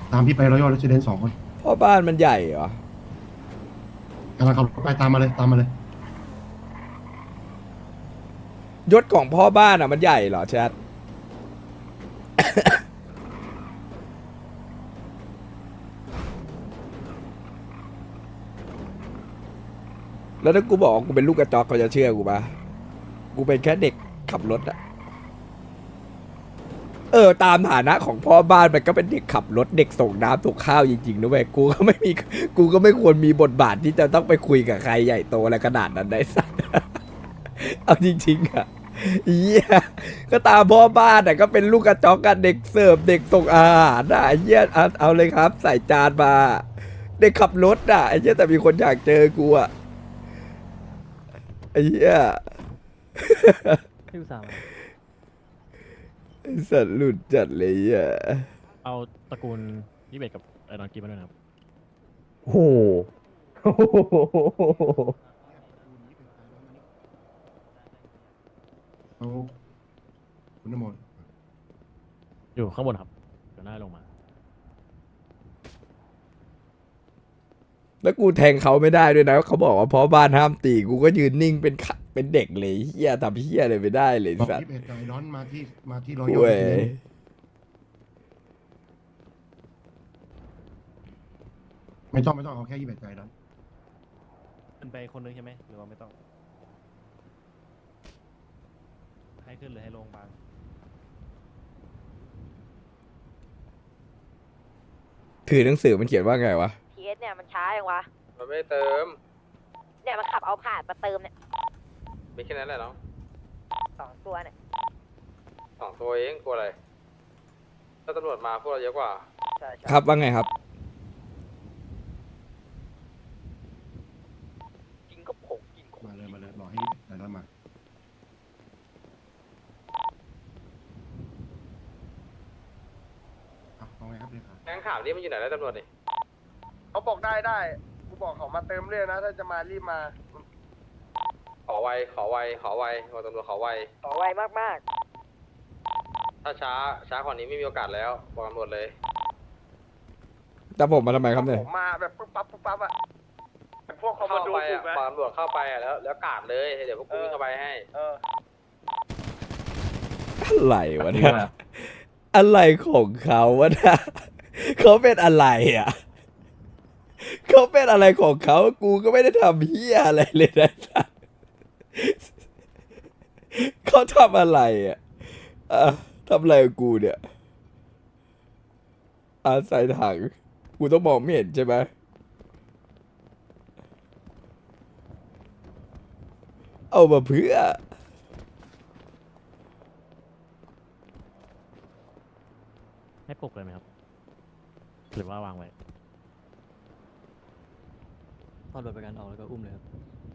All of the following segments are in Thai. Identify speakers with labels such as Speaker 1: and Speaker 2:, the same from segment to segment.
Speaker 1: ตามพี่ไปรอยัลเรสซิเดนซ์2 คน
Speaker 2: พ่อบ้านมันใหญ่เหรอก
Speaker 1: ำลังขับรถไปตามมาเลยตามมาเลย
Speaker 2: ยศของพ่อบ้านอ่ะมันใหญ่เหรอแชทแล้วถ้ากูบอกว่ากูเป็นลูกกระจอกเขาจะเชื่อกูปะกูเป็นแค่เด็กขับรถอะตามฐานะของพ่อบ้านมันก็เป็นเด็กขับรถเด็กส่งน้ำส่งข้าวจริงๆนะเว้ยกูก็ไม่ควรมีบทบาทที่จะต้องไปคุยกับใครใหญ่โตอะไรขนาดนั้นได้สัก เอาจริงๆอะเหี้ยก็ตามพ่อบ้านอะก็เป็นลูกกระจอกกันเด็กเสิร์ฟเด็กส่งอาหารอะไอ้เหี้ยเอาเลยครับใส่จานมาเด็กขับรถอะไอ้เหี้ยแต่มีคนอยากเจอกูอะไอ้เหี้ย
Speaker 3: พี่อุตส่าห์มา
Speaker 2: ไอ้สัตว์หลุดจัดเลยอ่ะ
Speaker 3: เอาตระกูลยี่เบกกับไอ้ดอนกีมาด้วยนะครับ
Speaker 2: โห
Speaker 1: เอาคุณนโม
Speaker 3: อยู่ข้างบนครับเดี๋ยวหน้าลงมา
Speaker 2: แล้วกูแทงเขาไม่ได้ด้วยนะเขาบอกว่าเพราะบ้านห้ามตีกูก็ยืนนิ่งเป็นเด็กเลยเฮียทำเฮียอะไรไม่ได้เลย
Speaker 1: บอก
Speaker 2: สัตว์
Speaker 1: 21 กับไอ้ดอนมาที่รอยัล
Speaker 2: เว้ย
Speaker 1: เรสซิเดนซ์ไม่ต้องเอาแค่21กับไอ้ดอน
Speaker 3: ขึ้นไปคนนึงใช่ไหมหรือว่าไม่ต้อง ให้ขึ้นหรือให้ลงบาง
Speaker 2: ถือหนังสือมันเขียนว่าไงวะ
Speaker 4: พีเอสเนี่ยมันช้าอย่างวะ
Speaker 5: มันไม่เติม
Speaker 4: เนี่ยมันขับเอาผ่านมาเติมเนี่ย
Speaker 5: มีแค่นั้นแหละเนาะ
Speaker 4: 2 ตัวเนี่ย
Speaker 5: 2 ตัวเองกลัวอะไร ถ้าตำรวจมาพวกเราเยอะกว่า
Speaker 4: ใช่ใช่
Speaker 2: ครับว่าไงครับ
Speaker 4: กินก็ผงกิน
Speaker 1: มาเลยรอให้ไอ้ดอนมาเอาไงครับเลยครับ
Speaker 5: แก๊งข่าวนี้มันอยู่ไหนแล้วตำรวจนี่
Speaker 6: เขาบอกได้กูบอกเขามาเติมเรื่อยนะ ถ้าจะมารีบมา
Speaker 5: ขอไวบอกตำรวจขอไว
Speaker 4: ต่อไวมาก
Speaker 5: ถ้าช้ากว่านี้ไม่มีโอกาสแล้ว บอกตำรวจเลย
Speaker 2: แต่ผมมาทำไมครับเนี่ย
Speaker 6: ผมมาแบบปุ๊บปั๊บอะพวกคอมมาน
Speaker 5: เข้า
Speaker 6: โด
Speaker 5: ไป
Speaker 6: ถู
Speaker 5: อ่ะ
Speaker 6: กไหม
Speaker 5: บอกตำรวจเข้าไปอ่ะแล้วกาดเลย เดี๋ยวพวกกูวิ่งเข้าไปให้
Speaker 6: เออ
Speaker 2: อะไรวะเนี่ยอะไรของเขาวะเนี่ยเขาเป็นอะไรอ่ะเขาเป็นอะไรของเขากูก็ไม่ได้ทำเฮียอะไรเลยนะเขาทำอะไรอ่ะทำอะไรกับกูเนี่ยใส่ถังกูต้องมองไม่เห็นใช่ไหมเอามาเพื่อ
Speaker 3: ให้ปลุกเลยไหมครับ หรือว่าวางไว้
Speaker 7: ตอนรถประกันออกแล้วก็อุ้มเลยครับ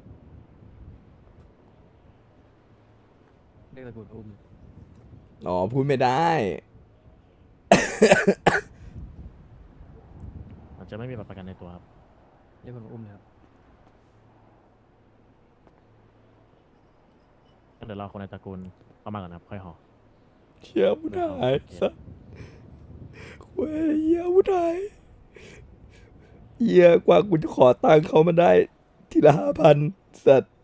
Speaker 7: เรียกตะกรุดอุ้มเลย
Speaker 2: อ๋อพูดไม่ได้
Speaker 3: มันจะไม่มีบัตรประกันในตัวครับ
Speaker 7: เรียกคนมาอุ้มเลยครับ
Speaker 3: งั้นเดี๋ยวรอคนในตระกูลเข้ามาก่อนนะครับ ค่อยห่อ
Speaker 2: เชี่ยผู้ชายสัสเว้ยเหี้ยผู้ชายเหี้ยกว่ากูจะขอตังค์เขามาได้ทีละ5,000สัตว์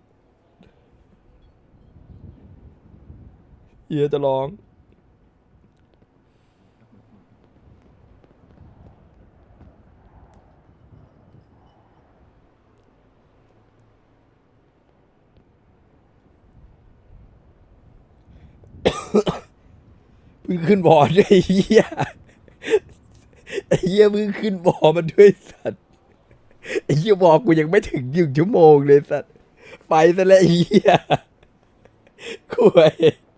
Speaker 2: เหี้ยจะร้องเพิ่งขึ้นบอร์ดไอ้เหี้ยไอ้เหี้ยเพิ่งขึ้นบอร์ดมาด้วยสัตว์ไอ้เหี้ยบอกกูยังไม่ถึง1 ชั่วโมงเลยสัตว์ไปซะแล้วไอ้เหี้ยคุย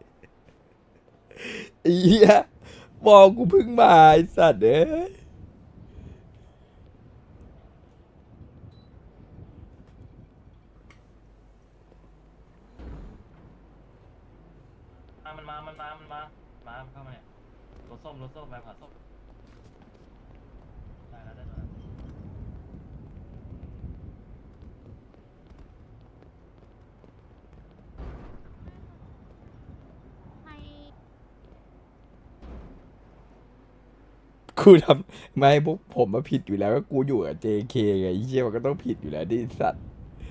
Speaker 2: ไอ้เหี้ยบอกกูเพิ่งมาไอ้สัตว์เอ้ย
Speaker 7: มาเข้ามาเนี่ยรถส้มไปผ่าส้มได้แล้วได้แล้ว
Speaker 8: ให้
Speaker 2: กูทำไม่พวกผมมาผิดอยู่แล้วก็กูอยู่กับ JK ไงไอ้เหี้ยมันก็ต้องผิดอยู่แล้วดิสัตว์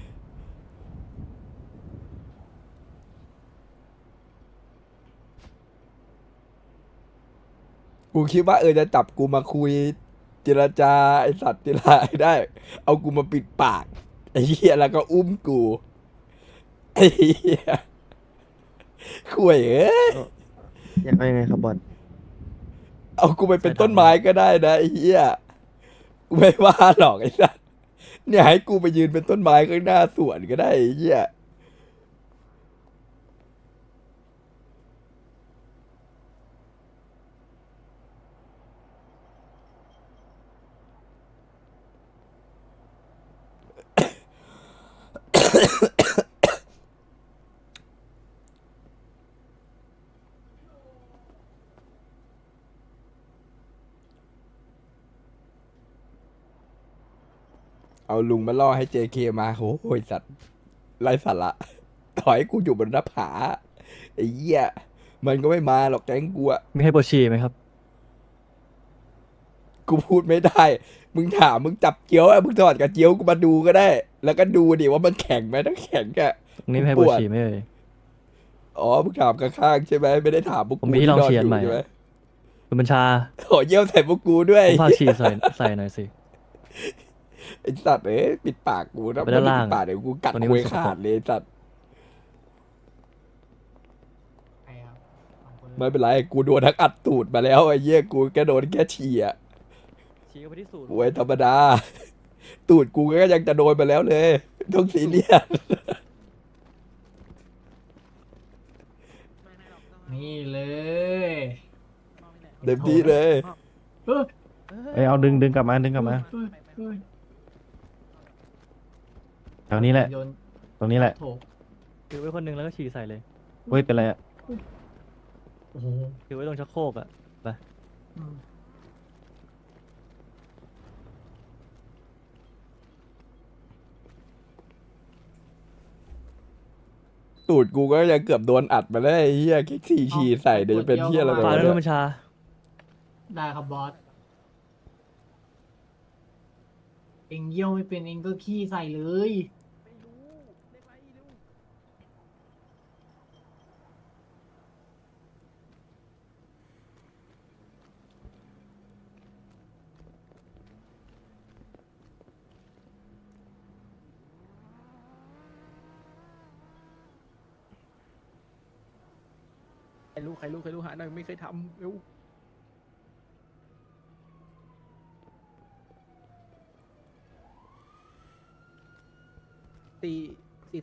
Speaker 2: กูคิดว่าจะจับกูมาคุยเจรจาไอสัตว์เจรจาให้ได้ เอากูมาปิดปากไอ้เหี้ยแล้วก็อุ้มกูไอ้เหี้ยข่วยเอ้ย
Speaker 8: อยากเอายังไงครับบอส
Speaker 2: เอากูไปเป็นต้นไม้ก็ได้นะไอ้เหี้ยกูไม่ว่าหรอกไอ้สัสเนี่ยให้กูไปยืนเป็นต้นไม้ข้างหน้าสวนก็ได้ไอ้เหี้ยเอาลุงมาล่อให้ JK มาโหยสัตว์ไร้สาระถอยกูอยู่บนหน้าผาไอ้เหี้ยมันก็ไม่มาหรอกแก๊งกูอะ
Speaker 3: มีให้ปวดฉี่ไหมครับ
Speaker 2: กูพูดไม่ได้ มึงถามมึงจับเจียวอะมึงถอดกับเจียวกูมาดูก็ได้ แล้วก็ดูดิว่ามันแข็งไหมถ้าแข็งอะ
Speaker 3: ตรงนี้มีให้ปวดฉี่ไหมเอ่ย
Speaker 2: อ๋อมึงถามข้างๆใช่ไหมไม่ได้ถามพวก
Speaker 3: ผม
Speaker 2: กู
Speaker 3: มีที่ลอง
Speaker 2: นอน
Speaker 3: เชียร์
Speaker 2: อยู่
Speaker 3: ใหม่
Speaker 2: ใช่ไหม
Speaker 3: คุณบัญชา
Speaker 2: ขอเยี่ยวใส่พวกกูด้วย
Speaker 3: ผมฝากฉี่ใส่หน่อยสิ
Speaker 2: ไอ้สัตว์ปิดปากกูนะ
Speaker 3: ไปด้านล่าง
Speaker 2: ปิดปากเดี๋ยวกูกัด
Speaker 3: ตรงนี้
Speaker 2: คุย
Speaker 3: มันสกปรก
Speaker 2: ขาดเลยไอ้สัตว์ไม่เป็นไรกูโดนทักอัดตูดมาแล้วไอ้เหี้ยกูแค่โดนแค่ฉี่อะ
Speaker 3: ฉี่ก็ไปที่สูตร
Speaker 2: โวยธรรมดา ตูดกูก็ยังจะโดนมาแล้วเลยต้องซีเรียส
Speaker 9: นี่เลย
Speaker 2: เต็มที่เลย
Speaker 9: เฮ้ย
Speaker 8: เอ้ยเอาดึงกลับมาดึงกลับมา
Speaker 9: เฮ้ยเฮ้ย
Speaker 8: แถวนี้แหละ
Speaker 9: โยน
Speaker 8: ตรงนี้แหละ
Speaker 9: โถ
Speaker 3: ถือไว้คนหนึงแล้วก็ฉี่ใส่เลย
Speaker 8: เฮ้ยเป็นไรอะ
Speaker 9: โอ้โห
Speaker 3: ถือไว้ตรงชักโครกอะไป
Speaker 9: อืม
Speaker 2: ตูดกูก็ยังเกือบโดนอัดมาแล้วไอ้เหี้ยแค่ฉี่ฉี่ใส่เดี๋ยวจะเป็นเหี้ยอะไรไป
Speaker 3: ฝาก
Speaker 2: วะ
Speaker 3: ด้วย
Speaker 2: เนี่
Speaker 3: คุณ
Speaker 2: ย
Speaker 3: บัญชา
Speaker 9: ได้ครับบอส เองเยี่ยวไม่เป็นเองก็ขี้ใส่เลย
Speaker 10: ใครรู้หาหน่อยไม่เคยทำเร็ว439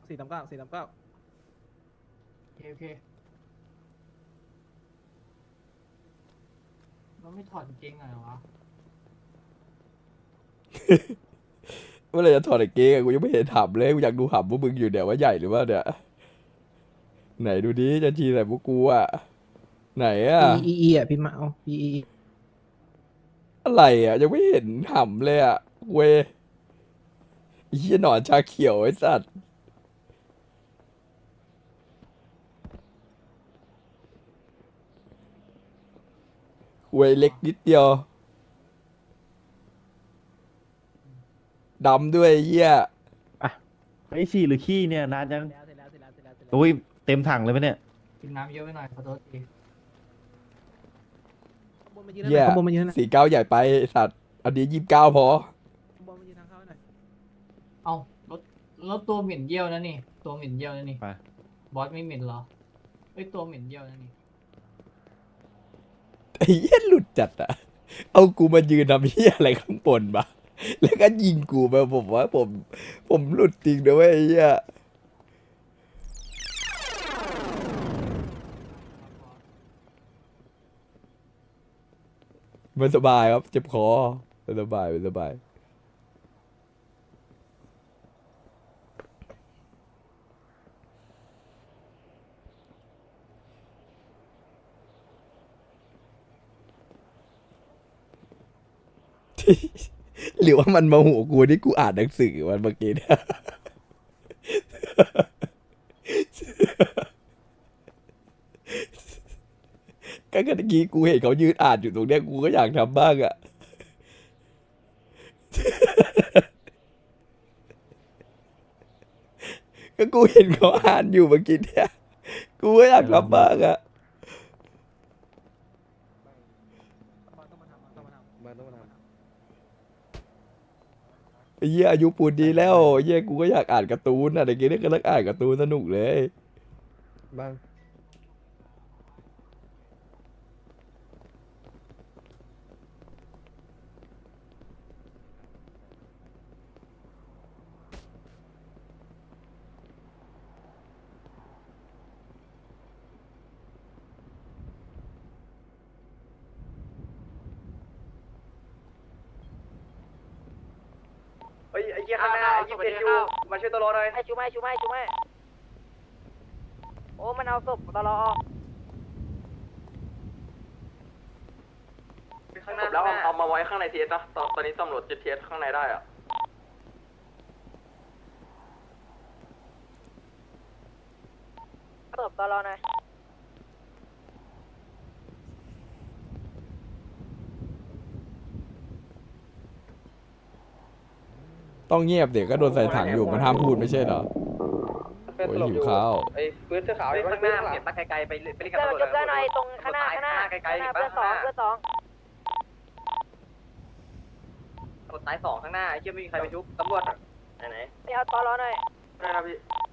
Speaker 9: โอเคมันไม่ถอดกางเกงหน่อยวะ
Speaker 2: เมื่อไหรจะถอดไอ้เกงอะกูยังไม่เห็นถามเลยกูอยากดูหำพวกมึงอยู่เนี่ยว่าใหญ่หรือว่าเนี่ยไหนดูดิจะฉี่ใส่พวกกูอะไหนอะ
Speaker 10: อีอ่ะพี่มาเอาอี
Speaker 2: อะไรอะยังไม่เห็นหำเลยอะเว้ยไอ้เหี้ยหนอนชาเขียวไอ้สัตว์เว้ยเล็กนิดเดียวดำด้วยไอ้เหี้ย
Speaker 8: ไอ้ฉี่หรือขี้เนี่ยนานจังโอ้ยเต็มถังเลยปะเนี่ย
Speaker 9: กินน้ำเยอะไปหน่อยขอโทษที
Speaker 2: เหี้ย
Speaker 10: ข้างบนมายืนนะ
Speaker 2: 49ใหญ่ไปไอ้สัตว์อันนี้29พอ
Speaker 10: ข้างบนมายืนทางเข้าหน่อย
Speaker 9: เอารถตัวเหม็นเยี่ยวนะนี่ ตัวเหม็นเยี่ยวนะนี่
Speaker 8: ไป
Speaker 9: บอสไม่เหม็นเหรอเอ้ยตัวเหม็นเยี่ยวนะนี่
Speaker 2: ไอ้เหี้ยหลุดจัดอะเอากูมายืนทำเหี้ยอะไรข้างบนมาแล้วก็ยิงกูไปผมว่าผมหลุดจริงนะเว้ยไอ้เหี้ยไม่สบายครับเจ็บคอไม่สบายไม่สบาย หรือว่ามันมาหัวกูที่กูอ่านหนังสือวันเมื่อกี้เนี่ยกก็เมื่อกี้กูเห็นเขายืนอ่านอยู่ตรงเนี้ยกูก็อยากทำบ้างอะก็กูเห็นเขาอ่านอยู่เมื่อกี้เนี่ยกูก็อยากทำบ้างอะ ไอ้เหี้ยอายุปูนดีแล้วไอ้เหี้ยกูก็อยากอ่านการ์ตูนอะไรเงี้ยก็เลิกอ่านการ์ตูนสนุกเลยบ้าง
Speaker 5: เฮ้ยไอ้เหี้ยข้างหน้าไอ้ยี่เป็นยูมาช่วยตัวรอหน่อย
Speaker 4: ให้ชูไม่โอ้มันเอาศพตลอด
Speaker 5: ข้างหน้าแล้วเอามาไว้ข้างในทีเอสนะตอนนี้ตำรวจจะเทียสข้างในได้อะ
Speaker 4: ศพตลอดหน่อย
Speaker 2: ต้องเงียบเด็กก็โดนใส่ถังอยู่มันห้ามพูดไม่ใช่เหรอโอ้ยหิวข้าว
Speaker 5: ไอ้ปืนเสื้อขาวข้างหน้าเห็นปะไกลๆไปเล่นกับ
Speaker 4: เจอ
Speaker 5: ตำรวจ
Speaker 4: เจอหน่อยตรงข้างหน้า
Speaker 5: ไกลๆ
Speaker 4: เพื่อนสอง
Speaker 5: ตำรวจตายสองข้างหน้าไอ้เหี้ยไม่มีใครไปชุบตำรวจไหน
Speaker 4: ไปเอาตลอดหน่อย
Speaker 5: ได้ครับพี่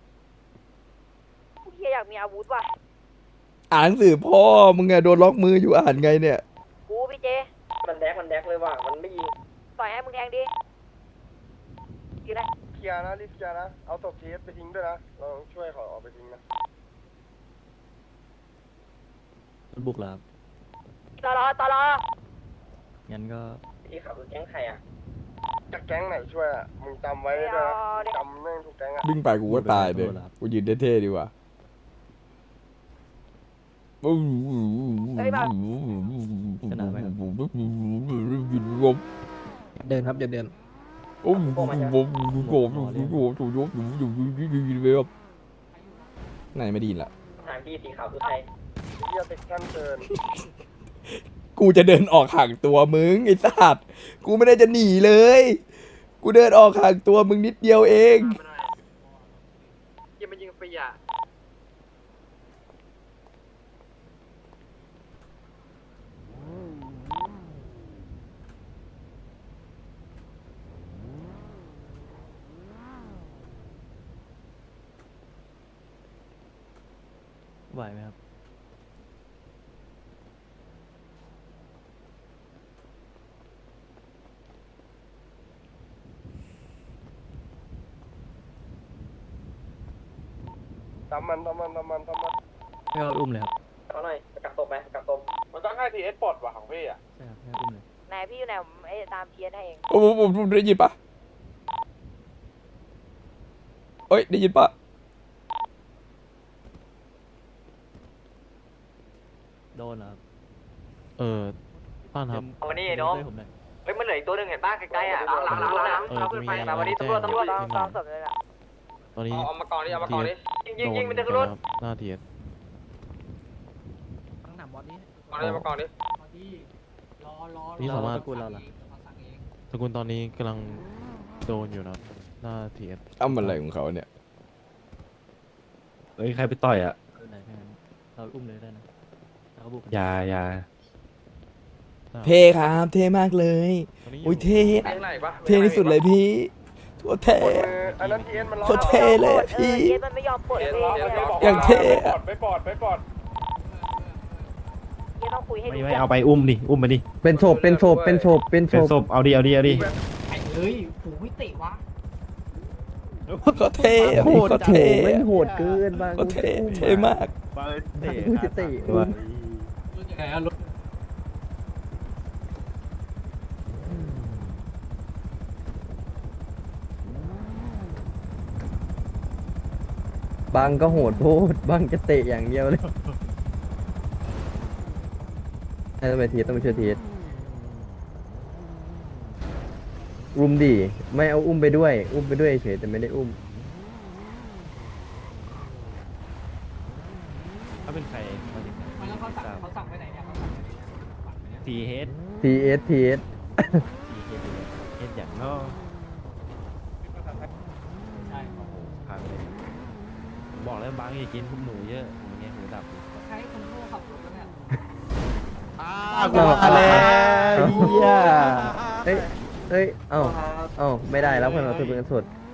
Speaker 4: ผู้เฮียอยากมีอาวุธว่ะ
Speaker 2: อ่านหนังสือพ่อมึงไงโดนล็อกมืออยู่อ่านไงเนี่ย
Speaker 4: กูพี่เจ
Speaker 5: มันแดกเลยว่ะมันไม่ยิง
Speaker 4: ต่อยให้มึงแทงดิยิงเลย
Speaker 6: เคลียร์นะรีบเคลียร์นะ เอาศพทีเอสไปทิ้งด้วยนะ เราต้องช่วยเขาเอาไปทิ้งนะ
Speaker 3: มันบุกแล้วครับ
Speaker 4: ตลอด
Speaker 3: งั้นก็
Speaker 5: ที่ขับรถแก๊งใครอ่ะ
Speaker 6: จากแก๊งไหนช่วยอ่ะ มึงจำไว้ด้วยนะจำแม่งทุกแก๊งอ่ะ
Speaker 2: วิ่งไปกูก็ตายเลยกูยืนเท่ๆดีกว่า
Speaker 10: เดินครับอย่าเดิน
Speaker 2: โอ้โหไหนไม่ดีละ
Speaker 5: ทางที่สีขาวคือใคร
Speaker 6: เฮียติดขั้นเกิน
Speaker 2: กูจะเดินออกห่างตัวมึงไอ้สัตว์กูไม่ได้จะหนีเลย กูเดินออกห่างตัวมึงนิดเดียวเอง
Speaker 5: ยังมายิงฟรีอ่ะ
Speaker 3: ไหวไหมครับ
Speaker 6: ตามมัน
Speaker 3: ให้เขาอุ้มเลยครับ
Speaker 5: เขาหน่อยกักศพไหมกักศพมันต้องให้ทีเอสปลดว่ะของพี่อ่ะ
Speaker 3: ใช่ครับให้เขาอุ้มเลย
Speaker 4: ไหนพี่อยู่ไหนผมไอ้ตามเทียนให้เอง
Speaker 2: โอ้ผมได้ยินปะเอ้ยได้ยินปะ
Speaker 3: โดนเหรอครับต้อนครับ
Speaker 5: เอาวันนี้น้อง
Speaker 3: ช่วยผมหน่อย
Speaker 5: เฮ้ยมันเหลืออีกตัวหนึ่งเห็นป่ะใกล้ๆอ่ะหลังเอาขึ้นไปแต่วันนี้ตำรวจ
Speaker 4: ซ้อมศพเลยล่ะ
Speaker 3: ตอนนี้
Speaker 5: เอามากองดิยิงมันจะขึ้นรถ
Speaker 3: หน้าเทียน
Speaker 10: ตั้งหนามบอลนี้
Speaker 5: มากองดิ
Speaker 3: นี่สามารถ
Speaker 9: สกุลเราล่ะ
Speaker 3: สกุลตอนนี้กำลังโดนอยู่นะครับหน้าเทียน
Speaker 2: อ้ำอะไรของเขาเนี่ย
Speaker 8: เฮ้ยใครไปต่อยอ่ะ
Speaker 3: ไหนแค่นั้นเราอุ้มเลยได้นะแล้วก็บุก
Speaker 8: อย่า
Speaker 2: เท่ครับเท่มากเลย
Speaker 3: ตอนนี้
Speaker 2: อุ้ยเท่
Speaker 5: ข้างในปะ
Speaker 2: เท่ที่สุดเลยพี่โคตรเท่
Speaker 6: กดมืออันนั้นทีเอสมันร้อง
Speaker 2: โคตรเท่เลยอะพี่
Speaker 4: เทียนมันไม่ยอมปลดเลย
Speaker 2: อย่างเท่อะ
Speaker 6: ไปปลด
Speaker 4: เทียนต้องคุยให้ดู
Speaker 8: ไม่เอาไปอุ้มดิอุ้มไปดิ
Speaker 10: เป็นศพเป็นศพเป็นศพเป็นศ
Speaker 8: เป็น
Speaker 10: พ
Speaker 8: ศพเอาดิ
Speaker 9: ไอ้เอ้ยผูไม่เตะวะ
Speaker 2: เขาเท่อะ
Speaker 10: โห
Speaker 2: พี่
Speaker 10: ด
Speaker 2: เขา
Speaker 10: จัง
Speaker 2: เท่
Speaker 10: ไม่
Speaker 2: อะ
Speaker 10: โหดเกินบาง
Speaker 2: เขาเท่เท่มาก
Speaker 10: กูจะเตะ
Speaker 8: ตัว
Speaker 9: รถยังไงอะรถ
Speaker 10: บางก็โหดโพดบางจะเตะอย่างเดียวเลยต้องไปทีต้องไปช่วยทีอุ้มดิไม่เอาอุ้มไปด้วย อุ้มไปด้วยเฉยแต่ไม่ได้อุ้ม
Speaker 3: ถ้าเป็นใครมาถึง
Speaker 9: แล้วเขาสั่งไปไหนเนี่ย
Speaker 3: ทีเฮด
Speaker 10: TS
Speaker 3: ทีเฮดเฮดอย่างนอก
Speaker 9: ใช่
Speaker 3: โอ้โหพังเลยผมบอกแล้วบางอย่ากินพวกหนูเยอะอย่างเงี้ยหูดับ
Speaker 9: ใช้คนโง่ขับรถแล้วเนี่ย
Speaker 8: กูมาแล้วเฮีย
Speaker 10: เอ้ย เอ้า ไม่ได้แล้วเพื่อนเราถือเป็นเงินสด